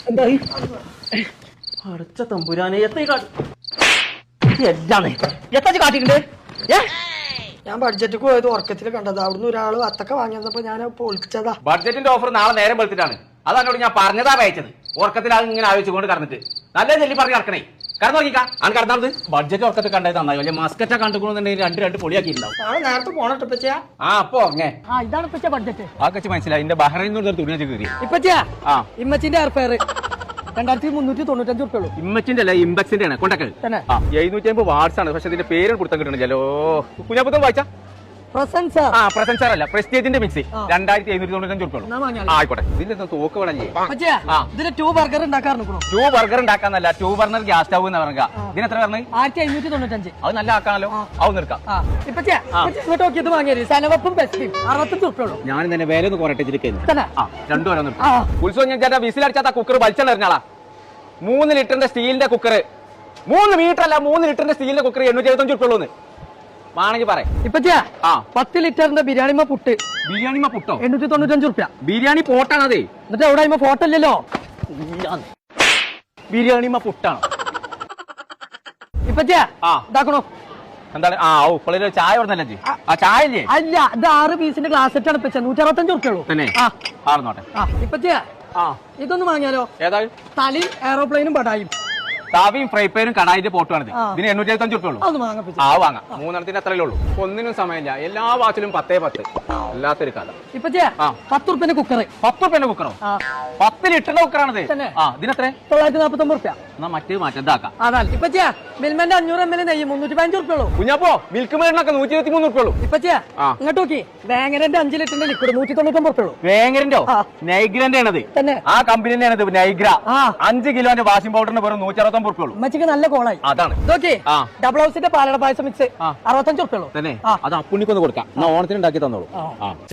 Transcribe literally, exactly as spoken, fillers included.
എന്തായി അടച്ച തമ്പുരാനെ എത്ര എന്താണ് എത്ര കാട്ടിട്ടുണ്ട് ഏ ഞാൻ ബഡ്ജറ്റ് പോയത് ഉറക്കത്തിൽ കണ്ടത് അവിടുന്ന് ഒരാള് അത്തക്ക വാങ്ങിയപ്പോ ഞാൻ പൊളിച്ചതാ. ബഡ്ജറ്റിന്റെ ഓഫർ നാളെ നേരം വെളുത്തിട്ടാണ്. അതന്നോട് ഞാൻ പറഞ്ഞതാ അയച്ചത്. ഉറക്കത്തിൽ അത് ഇങ്ങനെ ആലോചിച്ചുകൊണ്ട് കടന്നിട്ട് നല്ല ചെല്ലി പറഞ്ഞ് കിടക്കണേ. കടന്നു നോക്കിക്കാ ആണ് കടന്നത്. ബഡ്ജറ്റ് ഉറക്കത്തിൽ കണ്ടത് നന്നായി. വലിയ മസ്കറ്റ കണ്ടുകൊണ്ടെങ്കിൽ രണ്ട് രണ്ട് പൊളിയാക്കിയിട്ടുണ്ടാവും. നാളെ നേരത്തെ പോണട്ടോ ഇപ്പച്ചാ. ആ അപ്പൊ ഉറങ്ങേ. ആ ഇതാണ് ഇപ്പച്ച ബഡ്ജറ്റ്. ആ കച്ച് മനസ്സിലായി. എന്റെ ബഹ്റൈനിൽ നിന്ന് തുണി വെച്ച് കയറി. ഇപ്പച്ചാ ആ ഇമ്മച്ചിന്റെ എയർഫെയർ രണ്ടായിരത്തി മുന്നൂറ്റി തൊണ്ണൂറ്റഞ്ച് ഉറുപ്പുള്ളൂ. ഇമ്മച്ചിന്റെ അല്ല ഇമ്പക്സിന്റെ ആണ് കൊണ്ടൊക്കെ. എഴുന്നൂറ്റി അമ്പത് വാട്സ് ആണ്. പക്ഷെ അതിന്റെ പേര് കൊടുത്താൽ കിട്ടണില്ലല്ലോ. കുഞ്ഞാപ്പുത്തം വായിച്ചാ പ്രസൻസ് ആ പ്രസൻസർ അല്ല പ്രസ്റ്റേജിന്റെ മിക്സി രണ്ടായിരത്തി എഴുന്നൂറ്റി തൊണ്ണൂറ്റഞ്ച് ഉറുപ്പുള്ളൂ. ആയിക്കോട്ടെ. ഇതിന്റെ തോക്ക് വേണല്ലേ. ഇതിന് ടൂ ബർഗർ ഉണ്ടാക്കാറുണ്ടോ? ടൂ ബർഗർ ഉണ്ടാക്കാന്നല്ല ടൂ ബർണർ ഗ്യാസ് സ്റ്റവ് എന്ന് പറഞ്ഞ ഇതിന് എത്ര പറഞ്ഞു? ആയിരത്തി അഞ്ഞൂറ്റി തൊണ്ണൂറ്റഞ്ച്. അത് നല്ല ആക്കാണല്ലോ. അത് നിർക്കാം. ഇപ്പച്ചാ ഇങ്ങോട്ട് നോക്കിയത് വാങ്ങിയത് സനവപ്പും ബെസ്റ്റും അറുപത്തഞ്ച് ഉറുപ്പുള്ളൂ. ഞാൻ തന്നെ വില ഒന്ന് കുറട്ടെ രണ്ടു വരെ നിർത്താം. ഉത്സവം ഞാൻ ചേട്ടാ വിസിലടിച്ചാത്ത കുക്കർ വലിച്ചെറിഞ്ഞാളാ. മൂന്ന് ലിറ്ററിന്റെ സ്റ്റീലിന്റെ കുക്കർ മൂന്ന് മീറ്റർ അല്ല മൂന്ന് ലിറ്ററിന്റെ സ്റ്റീലിന്റെ കുക്കർ എണ്ണൂറ്റി എഴുപത്തഞ്ച് ഉറുപ്പുള്ളൂ വേണമെങ്കിൽ പറയാം. ഇപ്പച്ചാ ആ പത്ത് ലിറ്ററിന്റെ ബിരിയാണിമ പുട്ട് ബിരിയാണിമ പുട്ടോ എണ്ണൂറ്റി തൊണ്ണൂറ്റഞ്ച് ഉറുപ്പ്യ. ബിരിയാണി പോട്ടാണ് അതേ. എന്നിട്ട് അവിടെ ഫോട്ടോ ഇല്ലല്ലോ. ബിരിയാണിമ പുട്ടാണ് ഇപ്പച്ചാ ആ ഇതാക്കണോ എന്താണ്? ആ ഓ പിള്ളേര് ചായ പറഞ്ഞല്ലേ. ആ ചായ ഇല്ലേ? അല്ല ഇത് ആറ് പീസിന്റെ ഗ്ലാസ് സെറ്റാണ് ഇപ്പച്ചാ നൂറ്റി അറുപത്തഞ്ച് ഉറുപ്പ്യുള്ളൂ. തന്നെ ആർന്നോട്ടെ. ആ ഇപ്പച്ചാ ആ ഇതൊന്ന് വാങ്ങിയാലോ? ഏതാ? തലയും എയറോപ്ലെയിനും പടായും താവിയും ഫ്രൈ പാനും കടായിന്റെ പോട്ടുമാണ്. ഇതിന് എണ്ണൂറ്റി എഴുപത്തഞ്ച് ഉറുപ്പുള്ളൂ. ആ വാങ്ങാം. മൂന്നെണ്ണത്തിന് അത്രയേ ഉള്ളൂ. ഒന്നിനും സമയമില്ല. എല്ലാ വാച്ചിലും പത്തേ പത്ത്. അല്ലാത്തൊരു കഥ. ഇപ്പച്ചാ പത്ത് ഉറുപ്പ്യന്റെ കുക്കർ. പത്ത് ഉറുപ്പ്യന്റെ കുക്കറോ? പത്ത് ലിറ്ററിന്റെ കുക്കറാണത്. ആ ഇതിനെത്ര? തൊള്ളായിരത്തി നാപ്പത്തി ഒമ്പത് ഉറുപ്പ്യ. എന്നാ മറ്റേ മാറ്റം അതാണ് ഇപ്പച്ചാ മിൽമന്റെ അഞ്ഞൂറ് എം എൽ നെയ്യ് മുന്നൂറ്റി പതിനഞ്ച് ഉറുപ്പ്യുള്ളൂ. കുഞ്ഞപ്പോ മിൽക്ക് മേഡിനൊക്കെ നൂറ്റി ഇരുപത്തി മൂന്ന് ഉറുപ്പുള്ളൂ. ഇപ്പച്ചാ ഇങ്ങോട്ട് നോക്കി വേങ്ങരന്റെ അഞ്ച് ലിറ്ററിന്റെ ലിക്വിഡ് നൂറ്റി തൊണ്ണൂറ്റൊമ്പത് ഉറുപ്പ്യുള്ളൂ. വേങ്ങരന്റെ നൈഗ്രന്റെ ആണത്. ആ കമ്പനിന്റെ ആണത് നൈഗ്ര. അഞ്ച് കിലോന്റെ വാഷിംഗ് പൗഡറിന് വെറും നൂറ്റി അറുപത്തൊമ്പത് ഉറുപ്പുള്ളൂ. ഉമ്മച്ചിക്ക് നല്ല കോളായി. അതാണ് ഡബിൾ ഹൗസിന്റെ പാലട പായസം മിക്സ് അറുപത്തഞ്ച് ഉറുപ്പ്യുള്ളൂ. തന്നെ അത് അപ്പുണ്ണിക്കൊന്ന് കൊടുക്കാം. ഓണത്തിന് ഉണ്ടാക്കി തന്നോളൂ.